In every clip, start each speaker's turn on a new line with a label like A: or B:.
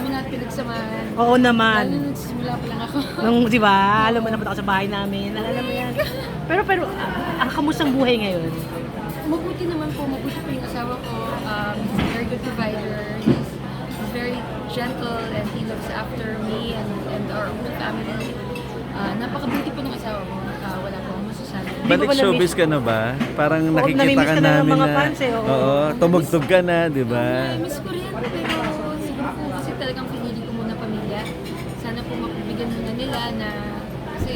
A: dami natin pinagsamahan.
B: Oo
A: Lalo
B: naman.
A: nung nagsisimula pa lang ako.
B: Nung, di ba, alam mo naman ako sa bahay namin. Alam mo yan. Pero, kamusta ang buhay ngayon?
A: Mabuti naman po, mabuti po yung asawa ko. He's a very good provider. He's very gentle and he looks after me and our whole family. Napakabuti po ng asawa ko. Wala po akong masasabi.
C: Balik
B: ba na-miss?
C: showbiz ka na ba? Parang
B: Oo,
C: nakikita
B: namimiss
C: ka
B: ka na ng
C: namin
B: mga
C: na,
B: fans eh, oo.
C: tumugtog ka na, di ba?
A: Miss ko rin, pero siguro po kasi talagang pinili ko muna pamilya. Sana po mapibigyan muna nila na kasi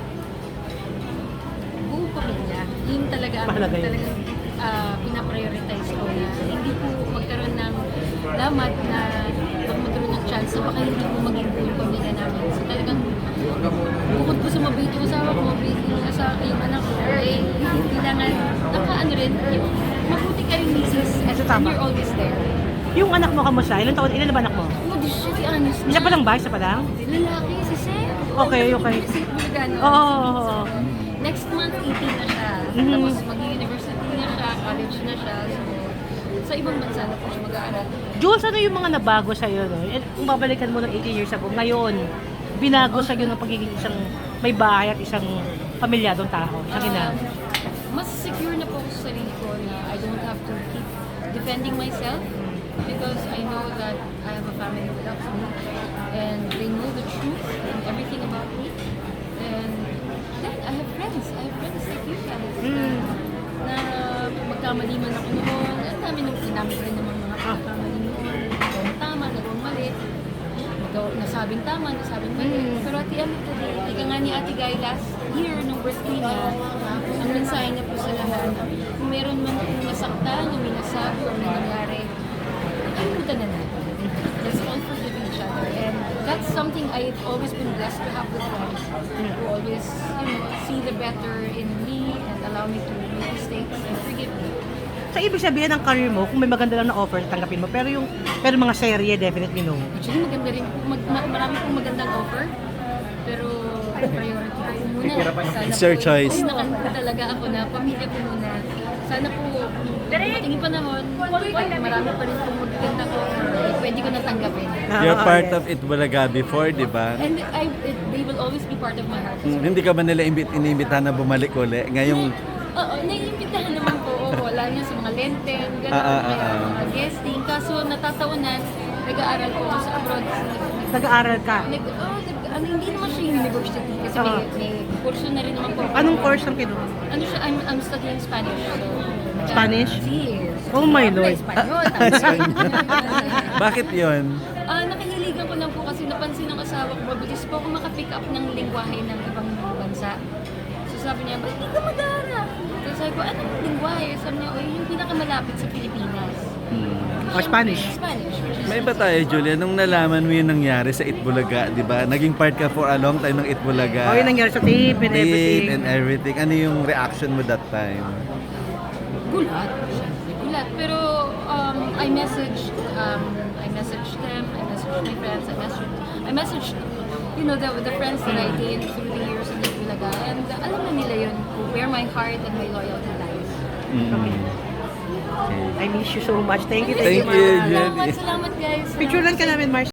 A: buong pamilya. Yun talaga ang
B: Mahalaga yun.
A: talagang pinaprioritize ko na hindi po magkaroon ng lamat na pag magkaroon ng chance na baka hindi po maging buong pamilya namin. So talagang bukod po sa mabait yung asawa ko, mabait yung anak ko, eh kailangan nakaano rin, yung mabuti ka rin misis and
B: Tama.
A: you're always there.
B: Yung anak mo, kamusta? Ilan na ba anak mo?
A: Oh, di siya, di honest na.
B: Isa pa lang ba? Isa pa lang?
A: Lalaki, si Seth.
B: Okay.
A: Si Bulgano.
B: Oo.
A: Next month, 18 na siya.
B: Mhm.
A: Tapos mag-university na siya, college na siya. So, sa ibang bansa na po siya mag-aaral.
B: Jules, ano yung mga nabago sa'yo? No? Kung babalikan mo ng 18 years ago, ngayon, binago sa'yo ng pagiging isang may bahay at isang pamilyadong tao. Isang ina.
A: Mas secure na po ako sa sarili ko na I don't have to keep defending myself because I know that I have a family who loves me and they know the truth and everything about me. And then I have friends. I have friends like you guys na magkamali man ako noon. Ang dami nung ginamit rin naman mga pagkamali noon. Nagawang tama, nagawang mali. Nasabing tama, nasabing mali. Pero at the end of the day, ika nga ni Ate Guy last year, nung birthday niya, ang mensahe niya po sa lahat, kung meron man kung nasaktan, o may nasabi, o may nangyari, kalimutan na natin. Let's all forgive each other. And that's something I've always been blessed to have with friends who always, see the better in me and allow me to make mistakes and forgive me.
B: Sa ibig sabihin ng career mo, kung may maganda lang na offer, tanggapin mo. Pero mga serye, definitely no.
A: Actually, maganda rin. Marami pong magandang offer. Pero priority ko muna.
C: It's your choice.
A: Nakanta talaga ako na pamilya ko muna. Sana po, matingin panahon, marami pa rin pong magandang offer. Pwede ko natanggapin.
C: You're part of It Bulaga before, di ba?
A: And they will always be part of my heart.
C: Hindi ka ba nila iniimbitahan na bumalik uli? Ngayong,
A: Oo, naiimbitahan naman po. Oo, lalo na sa mga lenten, gano'n, mga guesting. Kaso natataunan, nag-aaral po ako sa abroad.
B: Nag-aaral ka.
A: Hindi naman siya university kasi may kurso na rin naman po.
B: Anong course ang kinuha?
A: Ano siya, I'm studying Spanish. So,
B: Spanish?
A: Yes.
B: Oh my Lord.
A: Espanyol.
C: bakit yon?
A: Nakahiligan ko lang po kasi napansin ng asawa ko, mabilis po ako makapick up ng lingwahe ng ibang bansa. So sabi niya, ba't hindi ka mag-aaral? So sabi ko, anong lingwahe? Sabi niya, yung pinakamalapit sa Pilipinas.
B: Spanish.
A: Spanish.
C: May ba tayo, Julia, nung nalaman mo yung nangyari sa It Bulaga, di ba? Naging part ka for a long time ng It Bulaga.
B: Oh, yung nangyari sa tape and everything.
C: and everything. Ano yung reaction mo that time?
A: Gulat. Siyempre, gulat. Pero I messaged them, I messaged my friends, I messaged the friends that I gained through the years in Bulaga. And alam na nila yun, where my heart and my loyalty lies.
B: I miss you so much. Thank you,
C: Thank you,
B: Ma'am.
C: Julia.
A: Salamat guys.
B: Picture lang ka namin, Mars.